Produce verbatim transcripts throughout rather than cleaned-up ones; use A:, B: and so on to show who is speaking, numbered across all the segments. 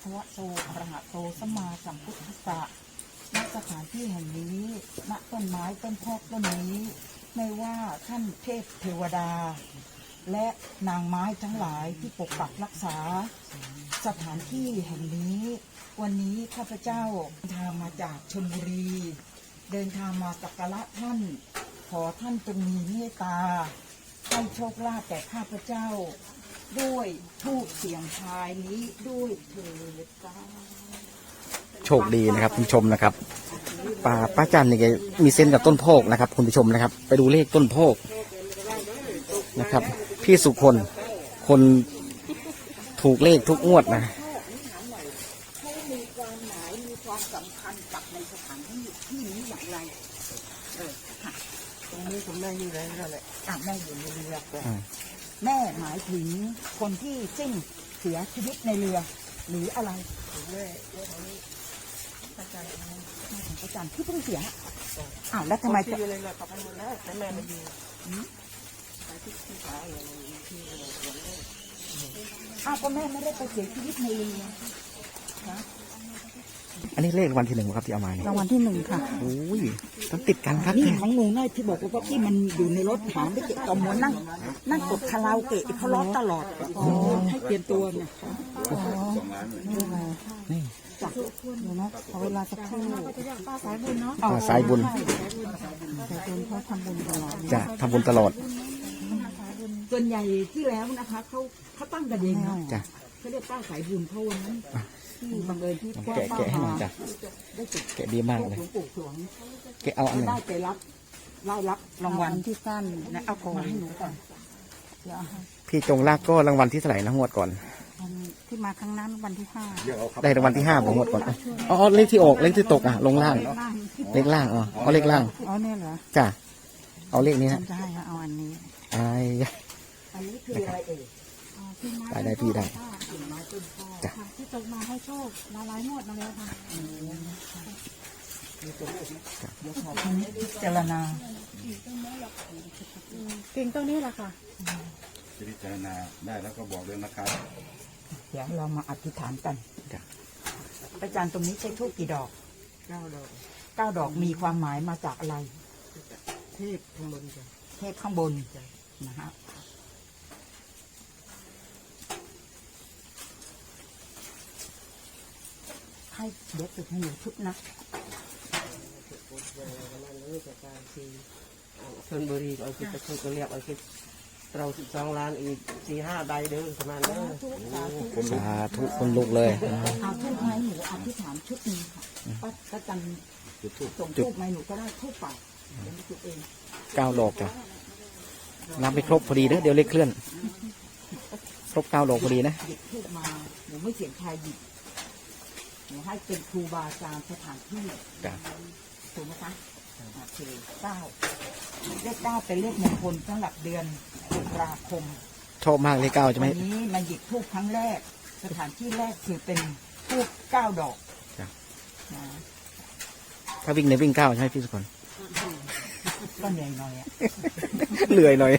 A: คะวะโตอะระหะโตสัมมาสัมพุทธัสสะณสถานที่แห่งนี้ณต้นไม้ต้นพอกต้นนี้ไม่ว่าท่านเทพเทวดาและนางไม้ทั้งหลายที่ปกปักรักษาสถานที่แห่งนี้วันนี้ข้าพเจ้าเดินทางมาจากชลบุรีเดินทางมาสักการะท่านขอท่านจงมีเมตตาให้โชคลาภแก่ข้าพเจ้าด้วยทูปเสียงทายนี้ด้วยเถิดจ้า
B: โชคดีนะครับคุณผู้ชมนะครับป้าป้าจันนี่แกมีเส้นกับต้นโพกนะครับคุณผู้ชมนะครับไปดูเลขต้นโพกนะครับพี่สุคนคนถูกเลขทุกงวดนะ
A: เขามีความหมายมีความสำคัญกับในสถานที่ที่นี้อย่างไรเออค่ะตรงนี้คุณแม่อยู่ไหนนั่นแหละอ่ะแม่อยู่ในเรือแม่หมายถึงคนที่สิ้นเสียชีวิตในเรือหรืออะไรแม่แม่ของอาจารย์อาจารย์ที่เพิ่งเสียอ้าวแล้วทำไมจะอยู่ในเรือกับมันแล้วแต่แม่มาอยู่ไปที่ที่ขาอย่างนี้ที่เรืออ้าวก็แม่ไม่ได้ไปเสียชีวิตในเรือนะ
B: อันนี้เลขรางวัลที่หนึ่งครับที่เอามาเนี่ย
A: รางวัลที่หนึ่งค่ะ
B: โอ้ยต้องติดกันครับ
A: นี่ของหนูน้อยที่บอกว่าที่มันอยู่ในรถหาไม่เก็บต่อมวนนั่งนั่งกดคาราโอเกะเขาร้องตลอดให้เปลี่ยนตัวเนี่ยนี่ไงนี่จับเดี๋ยวนะขอเวลาสักครู่ป้าสายบุญเนาะ
B: ป้าสายบุญ
A: สายบุญเขาทำบุญตลอด
B: จะทำบุญตลอด
A: ส่วนใหญ่ที่แล้วนะคะเขาเขาตั้งกันเองเนาะ
B: จ้ะ
A: เขาเรียกป้าสายบุญเขาวันนั้นที่บังเอิญที่ป้า
B: แกะให้หน่อยจ้ะแกะดีมากเลยแกะเอาอันไหน
A: ได้ไปรับไล่รับรางวัลที่สั้นนะเอาของมาให้หนูก่อน
B: พี่จงลากก็รางวัลที่เท่าไหร่นะงวดก่อน
A: ที่มาครั้งนั้นวันที่ห้า
B: ได้รางวัลที่ห้าผมงวดก่อนอ๋อเลขที่ออกเลขที่ตกอ่ะลงล่างเลขล่างอ๋อเอาเลขล่าง
A: อ๋อเนี่ยเหรอ
B: จ้ะเอาเลขนี้นะ
A: จะให้เอาอันนี้
B: ไอ้
A: อันนี้คืออะไรเอ่ย
B: ได้ได้พี่ได้
A: จ้ะที่ตกมาให้โชคมาหลายงวดมาแล้วค่ะเดี๋ยวขอพิจารณาเก่งตรงนี้แหละค่ะ
C: พิจารณาได้แล้วก็บอกเลยนะครับ
A: เดี๋ยวเรามาอธิษฐานกันอาจารย์ตรงนี้ใช้ทูบกี่ดอกเก้าดอกเก้าดอกมีความหมายมาจากอะไรเทพข้างบนจ้ะเทพข้างบนนะฮะให้เดี๋ยวติดให้หนูชุดนะ
D: ชลบุรีเอาคิดจะคุยก็เรียกเอาคิดเราสิบสองล้านอีกสี่ห้าใบเด้อประมาณนี้
B: สาธุคนลุกเลย
A: เอาทูบไม้หนูอธิษฐานชุดนี้ค่ะป้าก็จันส่งทูบไม้หนูก็ได้ทูบเปล่าเดี๋ยวจุดเอง
B: เก้าดอกจ้ะนับไปครบพอดีนะเดี๋ยวเลขเคลื่อนครบเก้าดอกพอดีนะ
A: หยิบทูบมาหนูไม่เสียงใครหยิบหนูให้เป็นครูบาอาจารย์สถานที่ถูกไหมคะโอเคเก้าเลขเก้าเป็นเลขมงคลสำหรับเดือนตุลาคม
B: ชอบมากเลขเก้าใช่ไหม
A: วันนี้มาหยิบทูบครั้งแรกสถานที่แรกคือเป็นทูบเก้าดอก
B: ถ้าวิ่งในวิ่งเก้าใช่ไหมพี่สุคน
A: ก็เหนื่อยหน่อยอ่ะ
B: เหนื่อยหน่อย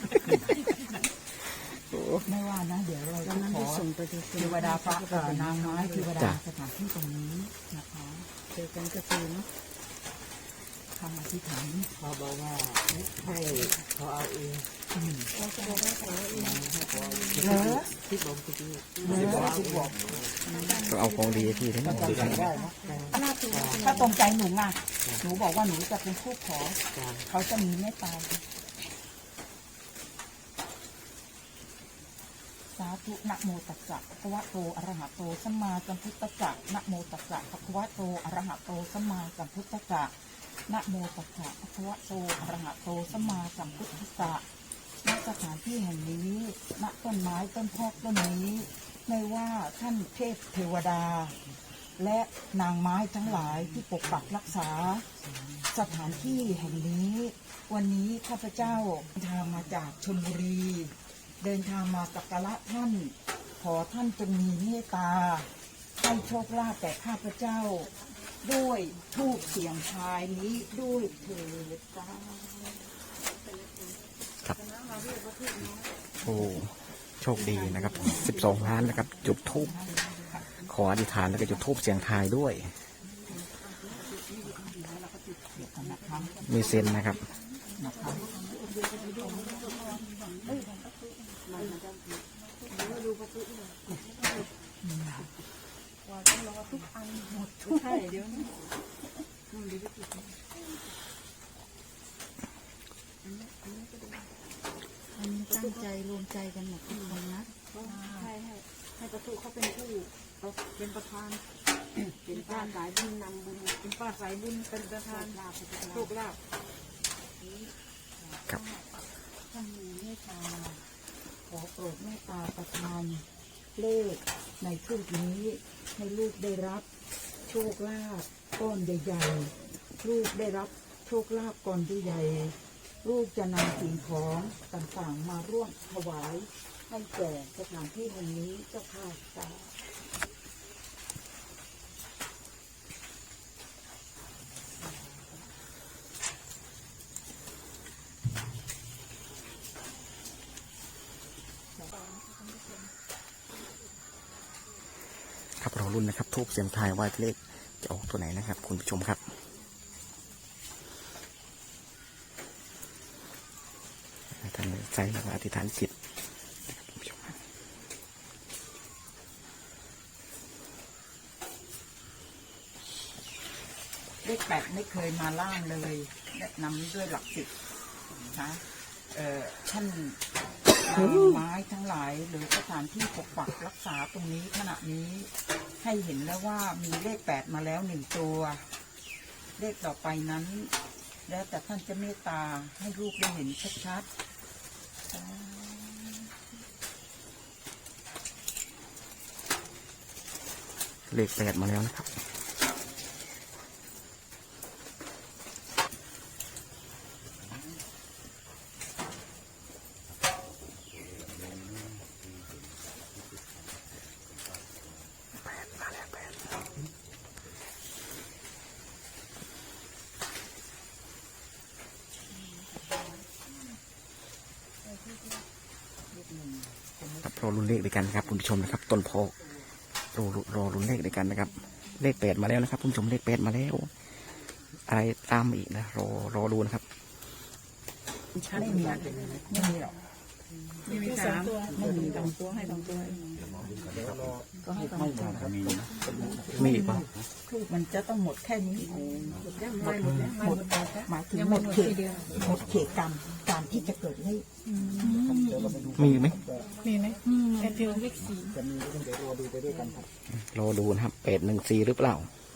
A: ไม่ว่านะเดี๋ยวเราจะขอเทวดาฟ้านางไม้เทวดาสถานที่ตรงนี้นะคะเจอกันก็คือเนาะคำอธิษฐาน
D: เขาบอกว่าให้เขาเอาเอง
A: เขาจะบอกว่าเขาเอาเองเหรอ
D: ที่บอกที่ที่
A: บอกที่บอก
B: ก็เอาของดีที่ทั้งหมด
A: ถ้าตรงใจหนูอ่ะหนูบอกว่าหนูจะเป็นผู้ขอเขาจะมีเมตตาสาธุนะโมตัสสะภะคะวะโตอะระหะโตสัมมาสัมพุทธัสสะนะโมตัสสะภะคะวะโตอะระหะโตสัมมาสัมพุทธัสสะนะโมตัสสะภะคะวะโตอะระหะโตสัมมาสัมพุทธัสสะณสถานที่แห่งนี้ณต้นไม้ต้นพอกต้นนี้ไม่ว่าท่านเทพเทวดาและนางไม้ทั้งหลายที่ปกปักรักษาสถานที่แห่งนี้วันนี้ข้าพเจ้าเดินทางมาจากชลบุรีเดินทางมาสักการะท่านขอท่านจงมีเมตตาให้โชคลาภแก่ข้าพเจ้าด้วยทูปเสียงทายนี้ด้วยเถิดจ้า
B: ครับโอ้โชคดีนะครับสิบสองล้านนะครับจุดทูปขออธิษฐานแล้วก็จุดธูปเสียงทายด้วย
A: เดี๋ยวกันนะคะ
B: มีเซนนะครับ
A: นะคะ
E: ตั้งใจรวมใจกันหมดทุกคนนะ
F: ให้ให้ให้ประตูเขาเป็นผู้เป็นประธานเป็นป้าสายบุญนำบุญเป็นป้าสายบุญเป็นประธานลาภโชคลาภ
B: ครับ
A: ท่านมีเมตตาขอโปรดเมตตาประทานเลขในทูปนี้ให้ลูกได้รับโชคลาภก้อนใหญ่ๆลูกได้รับโชคลาภก้อนใหญ่ๆลูกจะนำสิ่งของต่างๆมาร่วมถวายให้แก่สถานที่แห่งนี้เจ้าค่ะสาธุ
B: ครับเราลุ้นนะครับทูบเสียงทายว่าเลขจะออกตัวไหนนะครับ คุณผู้ชมครับท่านใจแล้วก็อธิษฐานจิตนะครับคุณผู้ชมครับ
A: เลขแปดไม่เคยมาล่างเลยแนะนำด้วยหลักสิบนะเอ่อท่านนำไม้ทั้งหลายหรือสถานที่ปกปักรักษาตรงนี้ขณะนี้ให้เห็นแล้วว่ามีเลขแปดมาแล้วหนึ่งตัว เลขต่อไปนั้น แล้วแต่ท่านจะเมตตาให้ลูกได้เห็นชัดๆ
B: เลขแปดมาแล้วนะครับ แปดมาแล้วแปด ครับรอลุ้นเลขด้วยกันนะครับคุณผู้ชมนะครับ ต้นโพกรอรอลุ้นเลขด้วยกันนะครับ เลขแปดมาแล้วนะครับคุณผู้ชมเลขแปดมาแล้ว อะไรตามอีกนะรอรอดูนะครับ
A: ไม่มีไม่มีหรอก
F: มีมีสามตัวไม่มีสองตัวให้สองตัว
A: ก็ให้ต้องการ
C: มี
B: มีอีกเปล่า
A: ทูบมันจะต้องหมดแค่นี้
F: หมดแล้วไม่หมดแล้ว
A: หมดหมายถึงหมดเขตหมดเขตกรรมการที่จะเกิดเลข
B: มีอีกไหม
F: มีไหมแอนฟิลเลขสี่
B: รอดูนะครับแปดหนึ่งสี่หรือเปล่า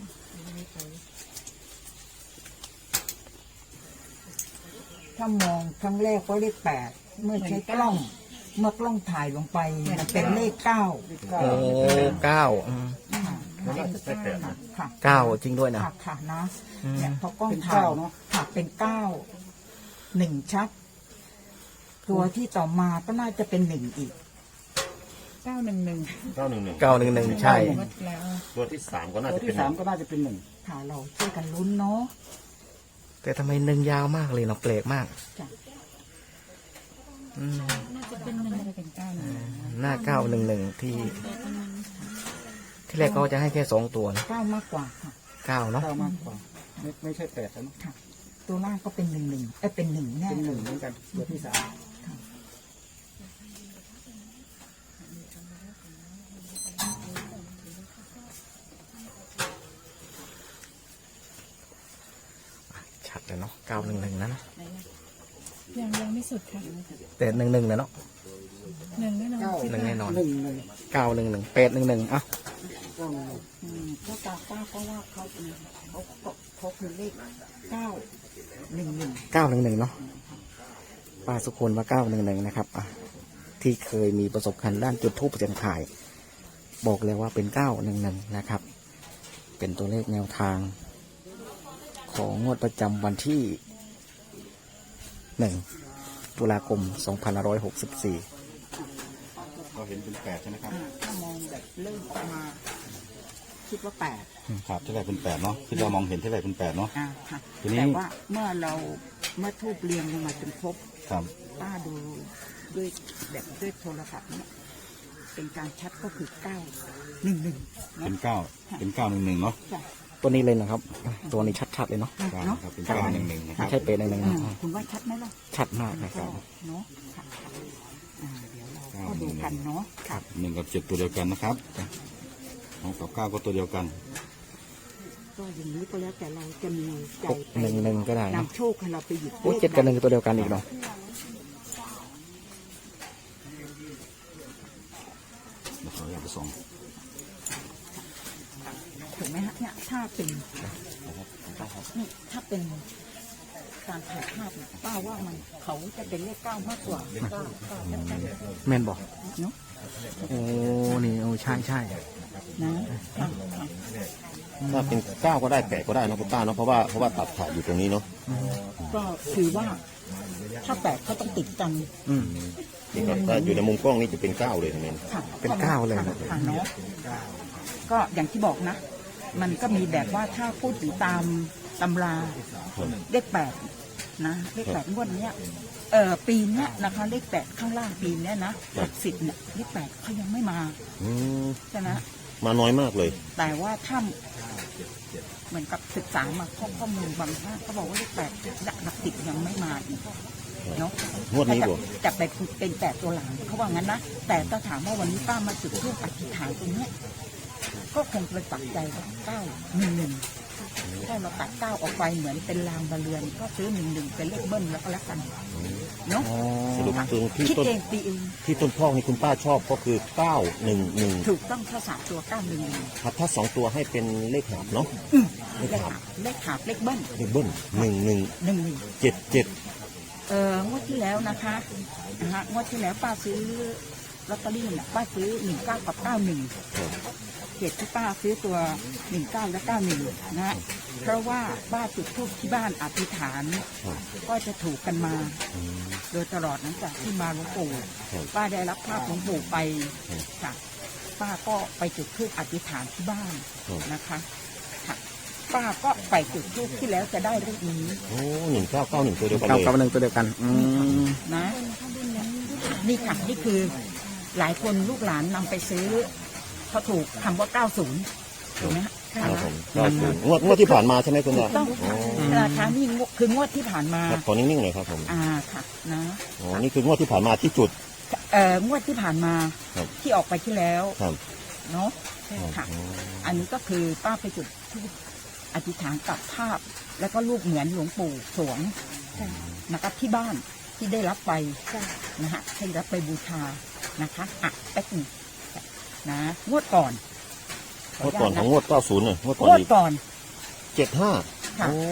A: ถ้ามองครั้งแรกก็เลขแปดเมื่อใช้กล้อง เมื่อกล้องถ่ายลงไปมันเป็นเลขเก้า
B: โอ้เก้าอืม
A: ค่ะ
B: เก้าจริงด้วยนะ
A: ค่ะค่ะนะ
B: อืม
A: เนี่ยพอกล้องถ่ายค่ะเป็นเก้าหนึ่งชัด ตัวที่ต่อมาก็น่าจะเป็นหนึ่งอีก
F: เก้าหนึ่งหนึ่ง
C: เก้าหนึ่งหนึ่ง
B: เก้าหนึ่งหนึ่งใช่
F: หมดแล้ว
C: ตัวที่สามก็น่า
D: ตัว
C: จะเป็
D: ที่
C: น
D: สามก็น่าจะเป็นหนึ่ง
A: ค่ะเราช่วยกันลุ้นเนาะ
B: แต่ทำไมหนึ่งยาวมากเลยเนาะแปลกมาก
A: จ้ะ
B: อืม
F: น่าจะเป็นหนึ่งน่าจะเป็นเก้าหนึ่ง
B: หน้าเก้าหนึ่งหนึ่งที่ ที่แรกก็จะให้แค่สองตัวนะ
A: เก้ามากกว่าค่ะ
B: เก้าเนาะ
D: เก้ามากกว่าไม่ไม่ใช่แปดแล้วเนอะ
A: ค่ะ ตัวล่างก็เป็นหนึ่งหนึ่งเอ้ยเป็นหนึ่งแน่
D: เป็นห
A: เล
D: นึ่ง
A: ย
D: เหมือนกันตัวที่สาม
B: ชัดเลยเนาะเก้าหนึ่งหนึ่งนะเนอะ
F: ยังยังไม่สุดค่ะ
B: แต่หนึ่งหนึ่งเลยเนาะ
F: หนึ่งแน่นอน
D: เก้า
B: หนึ่งแน่นอน
D: หนึ่งหนึ่ง
B: เก้าหนึ่งหนึ่งแปดหนึ่งหนึ่งอ่ะ
D: เก้าหนึ่ง
A: อืมเพราะตาป้าก็ว่าเขาเป็นเขาเขาเขาคือเลขเก้าหนึ่งหนึ่ง
B: เก้าหนึ่งหนึ่งเนาะป้าสุคนว่าเก้าหนึ่งหนึ่งนะครับอ่ะที่เคยมีประสบการณ์ด้านจุดทูปเสียงทาย บอกเลยว่าเป็นเก้าหนึ่งหนึ่งนะครับ เป็นตัวเลขแนวทาง ของงวดประจำวันที่หนึ่งตุลาคมสองพันห้าร้อยหกสิบสี่
C: เราเห็นเป็นแปดใช่ไหมครับ
A: อ่าถ้ามองแบบเริ่มออกมา คิดว่าแปด
C: ครับที่แรกเป็นแปดเนาะที่เรามองเห็นที่แรกเป็นแปดเนาะ
A: อ่าค่ะ
C: ทีนี้
A: แต่ว่าเมื่อเราเมื่อทูบเรียงลงมาจนครบ
C: ครับ
A: ป้าดูด้วยแบบด้วยโทรศัพท์เนี่ยเป็นการชัดก็คือเก้าหนึ่งหนึ่ง
C: เป็นเก้าเป็นเก้าหนึ่งหนึ่งเนาะ
A: จ้ะ
B: ตัวนี้เลยนะครับ ตัวนี้ชัดๆเลยเนาะ
C: เก้า
A: เนาะ
C: ครับเป็นเก้าหนึ่งหนึ่งนะค
B: ไม่
C: รับ
B: ใช่เป็นหนึ่งหนึ่ง
A: อ่า
B: นะ
A: คุณว่าชัดไหมล่ะ
B: ชัดมากนะค
A: ก็
B: รับ
A: เนาะค่ะอ่าเดี๋ยวเราก็ดูกันเนาะค่ะ
C: หนึ่งกับเจ็ดตัวเดียวกันนะครับสองกับเก้าก็ตัวเดียวกัน
A: ก็อย่างนี้ก็แล้วแต่เราจะมีใจ
B: หกหนึ่งหนึ่งก็ได้นะ
A: นำโชคให้เราไปหยิบ
B: โอ้เจ็ดกับหนึ่งตัวเดียวกันอีกเนาะ
C: เดี๋ยวขออยากไปส่อง
A: ถูกไหมฮะเนี่ยถ้าเป็นนี่ถ้าเป็นการถ่ายภาพเนี่ยป้าว่ามันเขาจะเป็นเลขเก้ามากกว่าเก้าเก้าเก้าเก้า
B: แม่นบอก
A: เนาะ
B: โอ้นี่โอ้ใช่ใช่
A: นะค่ะค่ะ
C: ถ้าเป็นเก้าก็ได้แปดก็ได้นะคุณป้าเนาะเพราะว่าเพราะว่าตัดขาดอยู่ตรงนี้เนาะ
A: ก็คือว่าถ้าแปดเขาต้องติดกัน
B: อืม
C: นี่ครับถ้าอยู่ในมุมกล้องนี่จะเป็นเก้าเลยทั้งนั้น
A: ค่ะ
B: เป็นเก้าเลย
A: ค่ะค่ะเนาะก็อย่างที่บอกนะ มันก็มีแบบว่าถ้าพูดถึงตามตำราเลขแปดนะเลขแปดงวดเนี้ยเออปีเนี้ยนะคะเลขแปดข้างล่างปีเนี้ยนะหลักสิบเนี่ยเลขแปดเขายังไม่มา
C: อืม
A: ใช่ไหม
C: มาน้อยมากเลย
A: แต่ว่าถ้าเหมือนกับศึกษามาข้อข้อมูลบางท่านเขาบอกว่าเลขแปดหลักสิบยังไม่มาอีกเนาะ
C: งวดนี้
A: จะ
C: บ่
A: จะไปเป็นแปดตัวหลังเขาว่างั้นนะแต่ถ้าถามว่าวันนี้ป้ามาจุดทูปอธิษฐานตรงเนี้ยก็คงเป็นปักใจว่าเก้าหนึ่งหนึ่งถ้าเราตัดเก้าออกไปเหมือนเป็นรางบะเรือน ก็ซื้อหนึ่งหนึ่งเป็นเลขเบิ้ลแล้วก็แล้วกันเนาะ
C: สรุปตรงที่
A: คิด
C: ต้น
A: เองตีเอง
C: ที่ต้นพ่อนี่คุณป้าชอบก็คือเก้าหนึ่งหนึ่ง
A: ถูกต้องถ้าสามตัวเก้าหนึ่งหนึ่ง
C: ครับถ้าสองตัวให้เป็นเลขหาบเนาะ
A: เลขหาบเลขหาบเลขเบิ้ล
C: เลขเบิ้ลหนึ่งหนึ่ง
A: หนึ่งหนึ่ง
C: เจ็ดเจ็ด
A: เอองวดที่แล้วนะคะนะฮะงวดที่แล้วป้าซื้อลอตเตอรี่เนี่ยป้าซื้อหนึ่งเก้ากับเก้าหนึ่งเหตุที่ป้าซื้อตัวหนึ่งเก้าและเก้าหนึ่งนะฮะเพราะว่าป้าจุดธูปที่บ้านอธิษฐานก็จะถูกกันมา โดยตลอดหลังจากที่มาหลวงปู่ป้าได้รับภาพหลวงปู่ไปค่ะป้าก็ไปจุดธูปอธิษฐานที่บ้านนะคะค่ะป้าก็ไปจุดธูปที่แล้วจะได้เลขนี้
C: โอ้หนึ่งเก้าเก้าหนึ่งตัวเดียวกัน
B: เก้า
C: เลย
B: กับหนึ่งตัวเดียวกัน อืม
A: นะนี่ค่ะนี่คือหลายคนลูกหลานนำไปซื้อเขาถูกคำว่า เก้าสิบ ถูกไหมฮะ
C: ครับผมเก้าศูนย์งวดงวดที่ผ่านมาใช่ไหมคุณป้า
A: ต้องค่ะราคานี่งวดคืองวดที่ผ่านมา
C: ครับขอนิ่งๆหน่อยครับผม
A: อ่าค่ะนะ
C: อ๋อนี่คืองวดที่ผ่านมาที่จุด
A: เอ่องวดที่ผ่านมา
C: ครับ
A: ที่ออกไปที่แล้ว
C: ครับ
A: เนาะค่ะ อันนี้ก็คือป้าไปจุดธูปอธิษฐานกับภาพ แล้วก็รูปเหมือนหลวงปู่สวงนะครับที่บ้านที่ได้รับไปนะฮะให้รับไปบูชานะคะอ่ะแป๊บหนึงนะงวดก่อน
C: งวดก่อนของงวดเก้าศูนย์เนี่ยงวดก่อน
A: งวด
C: อีก
A: ก่อน
C: เจ็ดห้า
A: ค่ะ
C: โอ้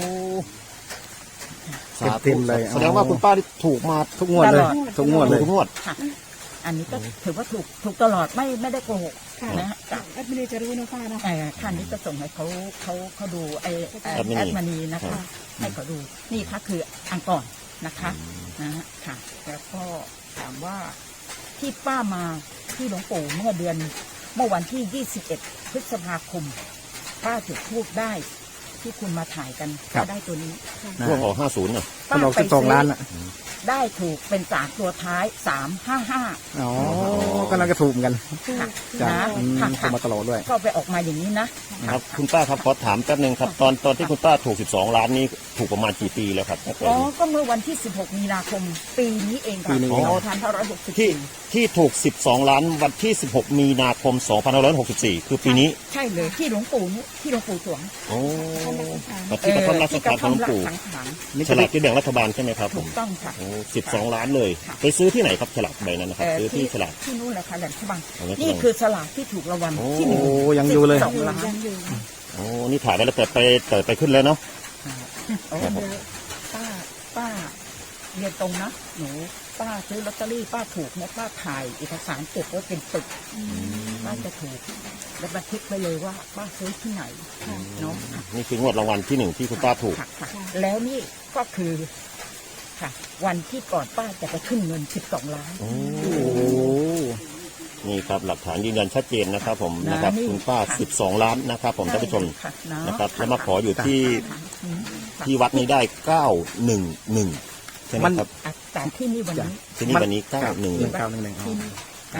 C: สา
B: เต็
C: ธุ
B: มๆเลย
C: แสดงว่าคุณป้าที่ถูกมา
B: ทุกงวดเลย
A: ตลอด
B: ทุกงวดเลย
C: ทุกงวด
A: ค่ะ อันนี้ก็ถือว่าถูกถูกตลอดไม่ไม่ได้โกหกนะฮะจ้ะ
F: แอดมินจะรู้นะป้านะ
A: เอ่อท่านนี้จะส่งให้เขาเขาเขาดูไอแอด
C: แอดมินี
A: แอดมานีนะคะ ให้เขาดูนี่ค่ะคืออันก่อนนะคะนะฮะค่ะ แล้วก็ถามว่าที่ป้ามาที่หลวงปู่เมื่อเดือนเมื่อวันที่ยี่สิบเอ็ดพฤษภาคม ป้าจุดธูปได้ที่คุณมาถ่ายกัน
B: ครับ
A: ก็ได้ตัวนี้
B: นะ
C: ช่วงออกห้าศูนย์น่ะ
B: มันออกสิบสองล้านอ่ะ
A: ได้ถูกเป็นสามตัวท้ายสามห้าห้า
B: อ๋อก็น่าจะถูกเหมือนกัน
A: ค่ะ
B: จ้ะ
A: นะ
B: อืม
A: ค่ะ
B: ถูกมาตลอดด้วย
A: ก็ไปออกมาอย่างนี้นะ
C: ครับคุณป้าครับขอถามแป๊บหนึงครับตอนตอนที่คุณป้าถูกสิบสองล้านนี้ถูกประมาณกี่ปีแล้วครับตั้งแต่
A: อ๋อ ก็เมื่อวันที่สิบหกมีนาคม ปีนี้เองค่ะ
B: ปีนี้เอง
A: สองพันห้าร้อยหกสิบ
C: ที่
A: สี่
C: ที่ถูกสิบสองล้านวันที่สิบหกมีนาคมสองพันห้าร้อยหกสิบสี่คือปีนี้
A: ใช่เลยที่หลวงปู่นี่ที่หลวงปู่สวง
C: โอ้ที่กระท่อมรัช
A: ที่ก
C: การ
A: ระ
C: ข
A: ท่
C: อ
A: อง ม
C: หลวง
A: ละ
C: ปู่
A: สังขาร
C: ฉลากที่แบ่งรัฐบาลใช่ไหมครับผ
A: ถู
C: ม
A: กต้องค่ะ
C: โอ้สิบสองล้านเลย
A: ค่ะ
C: ไปซื้อที่ไหนครับฉลากใบนั้นนะครับ
A: เอ่อ
C: ซื้อที่ฉลาก
A: ที่นู่นแหละค่ะแหลมฉบัง
C: อ๋อแหลมฉบัง
A: นี่คือฉลากที่ถูกรางวัล
C: โอ้
A: ที่หนึ่ง
B: โอ้ยังอยู่เลย
A: สองล้าน
C: โอ้นี่ถ่ายไว้แล้วแต่ไปแต่ไปขึ้นแล้วเนาะ
A: โอ้เดี๋ยวป้าป้าเรียนตรงนะหนูป้าซื้อลอตเตอรี่ป้าถูกเนี่ยป้าถ่ายเอกสารเก็บไว้เป็นปึกป้าจะถูกแล้วบันทึกไปเลยว่าป้าซื้อที่ไหนเนาะ
C: นี่คืองวดรางวัลที่หนึ่งที่คุณป้าถูก
A: ค่ะค่ะแล้วนี่ก็คือค่ะ วันที่ก่อนป้าจะไปขึ้นเงินสิบสองล้าน
C: โอ้
B: โอ้
C: นี่ครับหลักฐานยืนยันชัดเจนนะครับผม
A: นะ
C: นะครับ
A: นี่
C: คุณป้า
A: ค่ะ
C: สิบสองล้านนะครับผมท่านผู้ชม
A: ค่ะเนาะ
C: นะครับแล้วมาขออยู่ที่
A: ค่ะอืมค่ะ
C: ที่วัดนี้ได้เก้าหนึ่งหนึ่งใช่ไหมครับ
A: อ่ะแต่ที่นี่วันนี้
C: ที่นี่วันนี้เก้าหนึ่งห
B: หนึ่
C: นึ่
B: ง
C: ง
B: เก้าหนึ่งหนึ่ง
A: ที่นี่นะฮะ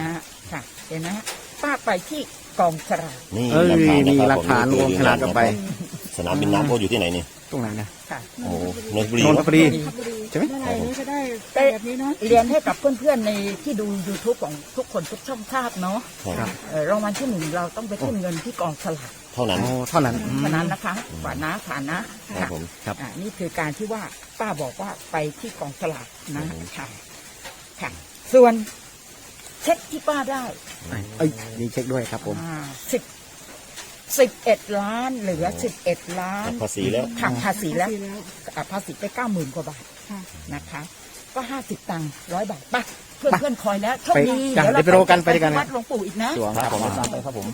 A: ค่ะเห็นไหมฮะป้าไปที่กองสลาก
C: นี่
B: เอ้ย
C: นะ
B: มี
C: ครับ
B: หลักฐาน
C: ผม
B: รวมขนาดกันไป
C: สนามบินน้ำโพอยู่ที่ไหนนี่
B: ตรงไหนนะ
A: ค่ะ
C: โอ้นนทบุรี
B: นนทบุรี
F: ขับบุรี
B: ใช่ไหม
F: เมื่อไหร่นี้ก็ได้แบบนี้เนาะ
A: เรียนให้กับเพื่อนๆในที่ดู YouTube ของทุกคนทุกช่องทราบเนาะ
C: ครับ
A: เอ่อรางวัลที่หนึ่งเราต้องไปขึ้นเงินที่กองสลาก
C: เท่านั้น
B: โอ้เท่านั้นอืม
A: เท่านั้นนะคะฝานะฝานะ
C: ครั
A: ค่ะ
C: บผม
B: ครับ
A: อ่านี่คือการที่ว่าป้าบอกว่าไปที่กองสลากนะค่ะค่ะส่วนเช็คที่ป้าได้
B: เอ้ยมีเช็คด้วยครับผม
A: สิบสิบเอ็ดล้านเหลือสิบเอ็ดล้าน
C: ภาษีแล้ว
A: ค่ะภาษีแล้ว
F: ดีแล้ว
A: อ่ะภาษีไปเก้าหมื่นกว่าบาท
F: ค่ะ
A: นะคะ ก็ห้าสิบตังค์ร้อยบาทไปเพื่อนเพื่อนๆคอยแล้วโชคดี
B: ไปจ้ะเดี๋ยวไปรอกันไปด้วยกัน
A: วัดหลวงปู่อีกนะ
B: สวง
C: ครับผม
B: ครับ
C: ตามไปครับผม